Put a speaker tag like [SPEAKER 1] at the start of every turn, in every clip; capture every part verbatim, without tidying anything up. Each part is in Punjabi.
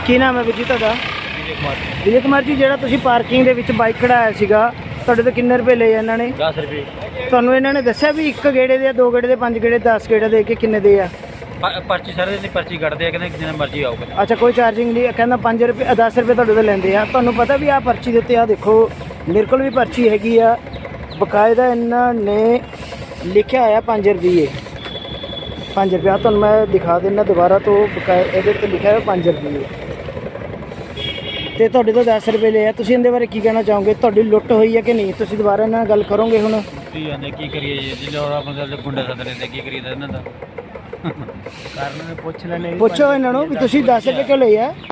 [SPEAKER 1] ਕੀ ਨਾਮ ਹੈ ਵੀਰ ਜੀ ਤੁਹਾਡਾ? ਵਿਜੇ ਕੁਮਾਰ ਜੀ, ਜਿਹੜਾ ਤੁਸੀਂ ਪਾਰਕਿੰਗ ਦੇ ਵਿੱਚ ਬਾਈਕ ਖੜਾਇਆ ਸੀਗਾ, ਤੁਹਾਡੇ ਤੋਂ ਕਿੰਨੇ ਰੁਪਏ ਲਏ ਇਹਨਾਂ ਨੇ?
[SPEAKER 2] दस रुपये।
[SPEAKER 1] ਤੁਹਾਨੂੰ ਇਹਨਾਂ ਨੇ ਦੱਸਿਆ ਵੀ ਇੱਕ ਗੇੜੇ ਦੇ, ਦੋ ਗੇੜੇ ਦੇ, ਪੰਜ ਗੇੜੇ, ਦਸ ਗੇੜੇ ਦੇ ਕੇ ਕਿੰਨੇ ਦੇ ਆ?
[SPEAKER 2] पर्ची सर पर्ची कटते हैं, कहते जिन्ना मर्जी आओ।
[SPEAKER 1] ਅੱਛਾ, ਕੋਈ ਚਾਰਜਿੰਗ ਨਹੀਂ, ਕਹਿੰਦਾ ਪੰਜ ਰੁਪਏ ਦਸ ਰੁਪਏ ਤੁਹਾਡੇ ਤੋਂ ਲੈਂਦੇ ਆ। ਤੁਹਾਨੂੰ ਪਤਾ ਵੀ ਆਹ ਪਰਚੀ ਦੇ ਉੱਤੇ ਆ ਦੇਖੋ, ਮੇਰੇ ਕੋਲ ਵੀ ਪਰਚੀ ਹੈਗੀ ਆ, ਬਕਾਇਦਾ ਇਹਨਾਂ ਨੇ ਲਿਖਿਆ ਹੋਇਆ ਪੰਜ ਰੁਪਏ ਪੰਜ ਰੁਪਏ। ਤੁਹਾਨੂੰ ਮੈਂ ਦਿਖਾ ਦਿੰਦਾ ਦੁਬਾਰਾ ਤੋਂ, ਬਕਾਇਦਾ ਇਹਦੇ ਉੱਤੇ ਲਿਖਿਆ ਹੋਇਆ ਪੰਜ ਰੁਪਏ ਤੇ ਤੁਹਾਡੇ ਤੋਂ ਦਸ ਰੁਪਏ ਲਏ ਆ। ਤੁਸੀਂ ਇਹਦੇ ਬਾਰੇ ਕੀ ਕਹਿਣਾ ਚਾਹੋਗੇ? ਤੁਹਾਡੀ ਲੁੱਟ ਹੋਈ ਹੈ ਕਿ ਨਹੀਂ? ਤੁਸੀਂ ਦੁਬਾਰਾ ਇਹਨਾਂ ਨਾਲ ਗੱਲ ਕਰੋਗੇ ਹੁਣ?
[SPEAKER 2] ਕੀ ਜਾਂਦੇ ਕੀ ਕਰੀਏ ਜੀ, ਜਿੱਲੇ ਆਪਣੇ ਗੁੰਡੇ ਸੱਦ ਲੈਂਦੇ, ਕੀ ਕਰੀਏ ਇਹਨਾਂ ਦਾ ਕਾਰਨ ਨੇ ਪੁੱਛ ਲੈਣੇ।
[SPEAKER 1] ਪੁੱਛੋ ਇਹਨਾਂ ਨੂੰ ਵੀ ਤੁਸੀਂ ਦਸ ਰੁਪਏ ਕਿਉਂ ਲਏ ਆ?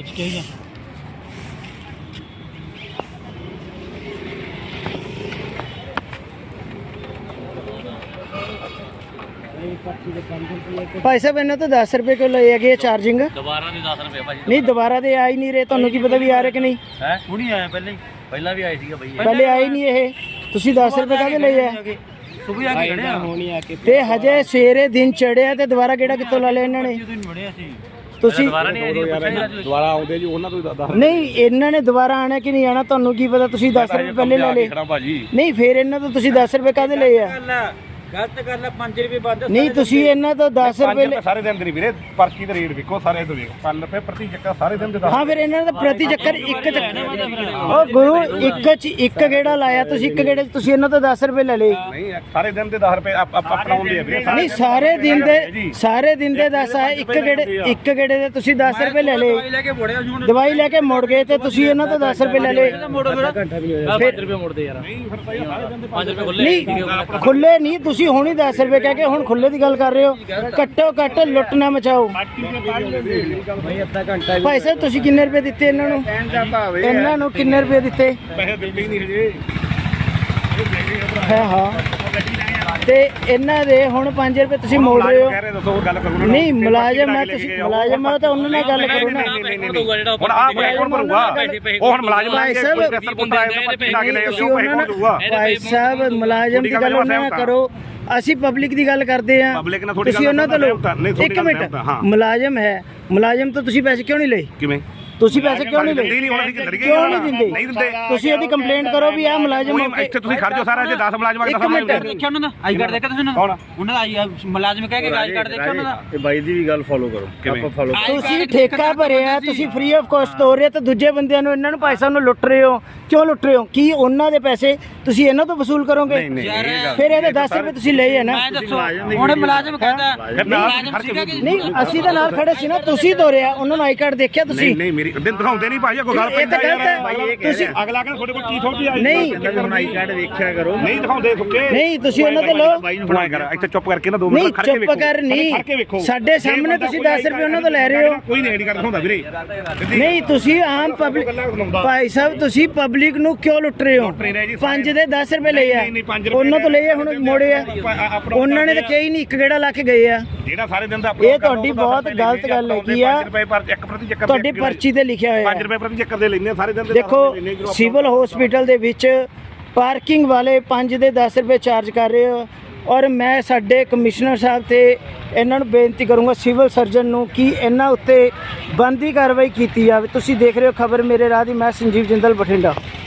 [SPEAKER 1] ਭਾਈ ਸਾਹਿਬ, ਇਹਨਾਂ ਤੋਂ ਦਸ ਰੁਪਏ ਕਿਉਂ ਲਏ ਹੈਗੇ ਚਾਰਜਿੰਗ?
[SPEAKER 2] ਦੁਬਾਰਾ ਦੇ ਦਸ ਰੁਪਏ ਭਾਜੀ।
[SPEAKER 1] ਨਹੀਂ, ਦੁਬਾਰਾ ਦੇ ਆ ਹੀ ਨਹੀਂ ਰਹੇ। ਤੁਹਾਨੂੰ ਕੀ ਪਤਾ ਵੀ ਆ ਰਹੇ ਕਿ ਨਹੀਂ?
[SPEAKER 2] ਹੈ ਹੁਣੀ ਆਇਆ, ਪਹਿਲਾਂ ਹੀ ਪਹਿਲਾਂ ਵੀ ਆਏ ਸੀਗਾ ਬਈ,
[SPEAKER 1] ਪਹਿਲੇ ਆਏ ਨਹੀਂ ਇਹ। ਤੁਸੀਂ ਦਸ ਰੁਪਏ ਕਾਹਦੇ ਲਏ ਆ?
[SPEAKER 2] ਸੁਬਹ ਆ ਕੇ ਖੜਿਆ ਹੋਣੀ ਆ ਕੇ,
[SPEAKER 1] ਤੇ ਹਜੇ ਸਵੇਰੇ ਦਿਨ ਚੜਿਆ ਤੇ ਦੁਬਾਰਾ ਕਿਹੜਾ ਕਿੱਥੋਂ ਲਾ ਲਿਆ ਇਹਨਾਂ ਨੇ? ਤੁਸੀਂ
[SPEAKER 2] ਦੁਬਾਰਾ ਨਹੀਂ ਆਏ, ਦੁਬਾਰਾ ਆਉਂਦੇ ਜੀ ਉਹਨਾਂ ਤੋਂ ਦੱਸ।
[SPEAKER 1] ਨਹੀਂ, ਇਹਨਾਂ ਨੇ ਦੁਬਾਰਾ ਆਣਾ ਕਿ ਨਹੀਂ ਆਣਾ ਤੁਹਾਨੂੰ ਕੀ ਪਤਾ? ਤੁਸੀਂ ਦਸ ਰੁਪਏ ਪਹਿਲੇ ਲੈ ਲਏ। ਨਹੀਂ, ਫਿਰ ਇਹਨਾਂ ਤੋਂ ਤੁਸੀਂ ਦਸ ਰੁਪਏ ਕਾਹਦੇ ਲਏ ਆ?
[SPEAKER 2] ਗਲਤ ਗੱਲ ਹੈ, ਪੰਜ ਰੁਪਏ ਬੰਦ।
[SPEAKER 1] ਨਹੀਂ, ਤੁਸੀਂ ਇਹਨਾਂ ਤੋਂ ਦਸ ਰੁਪਏ
[SPEAKER 3] ਸਾਰੇ ਦਿਨ ਦੇ ਨਹੀਂ ਵੀਰੇ, ਪਰਚੀ ਦੇ ਰੇਟ ਵੇਖੋ ਸਾਰੇ ਤੋਂ ਵੇਖੋ, ਪੰਜ ਰੁਪਏ ਪ੍ਰਤੀ ਚੱਕਰ ਸਾਰੇ ਦਿਨ ਦੇ।
[SPEAKER 1] ਹਾਂ, ਫਿਰ ਇਹਨਾਂ ਦਾ ਪ੍ਰਤੀ ਚੱਕਰ ਇੱਕ ਚੱਕਰ। ਉਹ ਗੁਰੂ, ਇੱਕ ਚ ਇੱਕ ਗੇੜਾ ਲਾਇਆ ਤੁਸੀਂ, ਇੱਕ ਗੇੜੇ ਚ ਤੁਸੀਂ ਇਹਨਾਂ ਤੋਂ ਦਸ ਰੁਪਏ ਲੈ ਲਏ।
[SPEAKER 3] ਨਹੀਂ, ਸਾਰੇ ਦਿਨ ਦੇ ਦਸ ਰੁਪਏ ਅਪਣਾਉਂਦੇ ਆ ਵੀਰੇ।
[SPEAKER 1] ਨਹੀਂ, ਸਾਰੇ ਦਿਨ ਦੇ ਸਾਰੇ ਦਿਨ ਦੇ ਦਸ ਆਏ, ਇੱਕ ਗੇੜੇ ਇੱਕ ਗੇੜੇ ਦੇ ਤੁਸੀਂ ਦਸ ਰੁਪਏ ਲੈ ਲਏ। ਦਵਾਈ ਲੈ ਕੇ ਮੁੜ ਗਏ ਤੇ ਤੁਸੀਂ ਇਹਨਾਂ ਤੋਂ ਦਸ ਰੁਪਏ ਲੈ ਲਏ।
[SPEAKER 2] ਪੰਜ ਰੁਪਏ ਮੁੜਦੇ ਯਾਰ, ਪੰਜ ਰੁਪਏ ਖੁੱਲੇ
[SPEAKER 1] ਨਹੀਂ, ਖੁੱਲੇ ਨਹੀਂ, ਤੁਸੀਂ ਹੁਣ ਹੀ ਦਸ ਰੁਪਏ ਕਹਿ ਕੇ ਹੁਣ ਖੁੱਲੇ ਦੀ ਗੱਲ ਕਰ ਰਹੇ ਹੋ। ਘੱਟੋ ਘੱਟ ਲੁੱਟ ਨਾ ਮਚਾਓ। ਭਾਈ ਸਾਹਿਬ, ਤੁਸੀਂ ਕਿੰਨੇ ਰੁਪਏ ਦਿੱਤੇ ਇਹਨਾਂ ਨੂੰ? ਇਹਨਾਂ ਨੂੰ ਕਿੰਨੇ ਰੁਪਏ ਦਿੱਤੇ?
[SPEAKER 3] ਪੈਸੇ ਦਿੰਦੇ ਹੀ ਨਹੀਂ ਹਜੇ।
[SPEAKER 1] ਹਾਂ ਹਾਂ, ਤੇ ਇਹਨਾਂ ਦੇ ਹੁਣ ਪੰਜ ਰੁਪਏ ਤੁਸੀਂ ਮੋੜ ਰਹੇ ਹੋ।
[SPEAKER 3] ਦੱਸੋ ਹੋਰ ਗੱਲ ਕਰੋ।
[SPEAKER 1] ਨਹੀਂ, ਮੁਲਾਜ਼ਮ ਹੈ ਤੁਸੀਂ, ਮੁਲਾਜ਼ਮ ਹੈ ਤਾਂ ਉਹਨਾਂ ਨਾਲ ਗੱਲ ਕਰੋ ਨਾ।
[SPEAKER 3] ਹੁਣ ਆਹ ਪੈਸੇ ਕੌਣ ਭਰੂਗਾ? ਉਹ ਹੁਣ ਮੁਲਾਜ਼ਮ
[SPEAKER 1] ਭਾਈ ਸਾਹਿਬ, ਤੁਸੀਂ ਉਹਨਾਂ ਨਾਲ, ਭਾਈ ਸਾਹਿਬ ਮੁਲਾਜ਼ਮ ਦੀ ਗੱਲ ਉਹਨਾਂ ਨਾਲ ਕਰੋ, ਅਸੀਂ ਪਬਲਿਕ ਦੀ ਗੱਲ ਕਰਦੇ ਆ। ਤੁਸੀਂ ਉਹਨਾਂ ਤੋਂ ਲਓ। ਇੱਕ ਮਿੰਟ, ਮੁਲਾਜ਼ਮ ਹੈ, ਮੁਲਾਜ਼ਮ ਤੋਂ ਤੁਸੀਂ ਪੈਸੇ ਕਿਉਂ ਨਹੀਂ ਲਏ?
[SPEAKER 3] ਕਿਵੇਂ
[SPEAKER 1] ਤੁਸੀਂ ਪੈਸੇ ਕਿਉਂ ਨਹੀਂ ਲਏ? ਕਿਉਂ ਨਹੀਂ ਦਿੰਦੇ? ਤੁਸੀਂ ਇਹਦੀ ਕੰਪਲੇਂਟ ਕਰੋ ਵੀ ਆ ਮੁਲਾਜ਼ਮ
[SPEAKER 3] ਇੱਥੇ ਤੁਸੀਂ ਖੜ ਜਾਓ, ਸਾਰਾ ਜੇ ਦਸ ਮੁਲਾਜ਼ਮਾਂ ਦਾ
[SPEAKER 1] ਇੱਕ ਮਿੰਟ
[SPEAKER 2] ਦੇਖਿਆ ਉਹਨਾਂ ਦਾ ਆਈ ਕਾਰਡ ਦੇਖਿਆ ਤੁਸੀਂ ਉਹਨਾਂ ਦਾ ਆਈ ਮੁਲਾਜ਼ਮ ਕਹਿ ਕੇ ਆਈ ਕਾਰਡ ਦੇਖਿਆ ਉਹਨਾਂ ਦਾ।
[SPEAKER 4] ਇਹ ਬਾਈ ਦੀ ਵੀ ਗੱਲ ਫੋਲੋ ਕਰੋ, ਆਪਾਂ ਫੋਲੋ।
[SPEAKER 1] ਤੁਸੀਂ ਠੇਕਾ ਭਰਿਆ, ਤੁਸੀਂ ਫ੍ਰੀ ਆਫ ਕਾਸਟ ਹੋ ਰਹੇ ਤੇ ਦੂਜੇ ਬੰਦਿਆਂ ਨੂੰ, ਇਹਨਾਂ ਨੂੰ ਭਾਈ ਸਾਹਿਬ ਨੂੰ ਲੁੱਟ ਰਹੇ ਹੋ। ਕਿਉਂ ਲੁੱਟ ਰਹੇ ਹੋ? ਕੀ ਉਹਨਾਂ ਦੇ ਪੈਸੇ ਤੁਸੀਂ ਇਹਨਾਂ ਤੋਂ ਵਸੂਲ ਕਰੋਗੇ? ਫਿਰ ਇਹਦੇ ਦਸ ਰੁਪਏ ਤੁਸੀਂ ਲਏ ਹੈ ਨਾ।
[SPEAKER 2] ਹੁਣ ਮੁਲਾਜ਼ਮ ਕਹਿੰਦਾ ਮੁਲਾਜ਼ਮ ਸੀਗਾ ਕਿ
[SPEAKER 1] ਨਹੀਂ, ਅਸੀਂ ਤਾਂ ਨਾਲ ਖੜੇ ਸੀ ਨਾ। ਤੁਸੀਂ ਤੋਰਿਆ, ਉਹਨਾਂ ਨੂੰ ਆਈ ਕਾਰਡ ਦੇਖਿਆ ਤੁਸੀਂ?
[SPEAKER 3] ਨਹੀਂ, ਮੇਰੀ ਦਿਨ ਦਿਖਾਉਂਦੇ ਨਹੀਂ ਭਾਈ, ਕੋਈ ਗੱਲ
[SPEAKER 1] ਇਹ ਤਾਂ ਗਲਤ ਹੈ। ਤੁਸੀਂ
[SPEAKER 3] ਅਗਲਾ ਕਹਿੰਦਾ ਤੁਹਾਡੇ ਕੋਲ ਕੀ ਥੋੜੀ ਆਈ?
[SPEAKER 1] ਨਹੀਂ,
[SPEAKER 4] ਆਈ ਕਾਰਡ ਵੇਖਿਆ ਕਰੋ।
[SPEAKER 3] ਨਹੀਂ ਦਿਖਾਉਂਦੇ ਸੁੱਕੇ।
[SPEAKER 1] ਨਹੀਂ, ਤੁਸੀਂ ਉਹਨਾਂ ਤੋਂ ਲਓ।
[SPEAKER 3] ਹੁਣ ਕਰ ਇੱਥੇ ਚੁੱਪ ਕਰਕੇ ਨਾ ਦੋ
[SPEAKER 1] ਨਹੀਂ,
[SPEAKER 3] ਮਿੰਟ ਖੜ ਕੇ ਵੇਖੋ।
[SPEAKER 1] ਚੁੱਪ ਕਰ ਨਹੀਂ, ਸਾਡੇ ਸਾਹਮਣੇ ਤੁਸੀਂ ਦਸ ਰੁਪਏ ਉਹਨਾਂ ਤੋਂ ਲੈ ਰਹੇ ਹੋ।
[SPEAKER 3] ਕੋਈ ਨਹੀਂ ਆਈਡੀ ਕਾਰਡ ਦਿਖਾਉਂਦਾ ਵੀਰੇ।
[SPEAKER 1] ਨਹੀਂ, ਤੁਸੀਂ ਆਮ ਪਬਲਿਕ, ਭਾਈ ਸਾਹਿਬ ਤੁਸੀਂ ਪਬਲਿਕ ਨੂੰ ਕਿਉਂ ਲੁੱਟ ਰਹੇ ਹੋ? ਪੰਜ ਦੇ ਦਸ ਰੁਪਏ ਲਏ ਆ, ਉਹਨਾਂ ਤੋਂ ਲਏ ਆ, ਹੁਣ ਮੋੜੇ ਆ। ਉਹਨਾਂ ਨੇ ਤਾਂ ਕਹੀ ਨਹੀਂ, ਇੱਕ ਗੇੜਾ ਲਾ ਕੇ ਗਏ ਆ।
[SPEAKER 3] ਜਿਹੜਾ ਸਾਰੇ ਦਿਨ ਦਾ
[SPEAKER 1] ਇਹ ਤੁਹਾਡੀ ਬਹੁਤ ਗਲਤ ਗੱਲ ਹੈਗੀ ਆ।
[SPEAKER 3] ਇੱਕ ਪ੍ਰਤੀ ਚੱਕਰ
[SPEAKER 1] ਤੁਹਾਡੀ ਪਰਚੀ ਤੇ ਲਿਖਿਆ ਹੋਇਆ
[SPEAKER 3] ਪੰਜ ਰੁਪਏ ਪ੍ਰਤੀ ਚੱਕਰ ਦੇ ਲੈਂਦੇ ਸਾਰੇ ਦਿਨ ਦੇ।
[SPEAKER 1] ਦੇਖੋ, ਸਿਵਲ ਹਸਪੀਟਲ ਦੇ ਵਿੱਚ ਪਾਰਕਿੰਗ ਵਾਲੇ ਪੰਜ ਦੇ ਦਸ ਰੁਪਏ ਚਾਰਜ ਕਰ ਰਹੇ ਹੋ। ਔਰ ਮੈਂ ਸਾਡੇ ਕਮਿਸ਼ਨਰ ਸਾਹਿਬ ਤੇ ਇਹਨਾਂ ਨੂੰ ਬੇਨਤੀ ਕਰੂੰਗਾ, ਸਿਵਲ ਸਰਜਨ ਨੂੰ, ਕਿ ਇਹਨਾਂ ਉੱਤੇ ਬਣਦੀ ਕਾਰਵਾਈ ਕੀਤੀ ਜਾਵੇ। ਤੁਸੀਂ ਦੇਖ ਰਹੇ ਹੋ ਖਬਰ ਮੇਰੇ ਰਾਹ ਦੀ, ਮੈਂ ਸੰਜੀਵ ਜਿੰਦਲ, ਬਠਿੰਡਾ।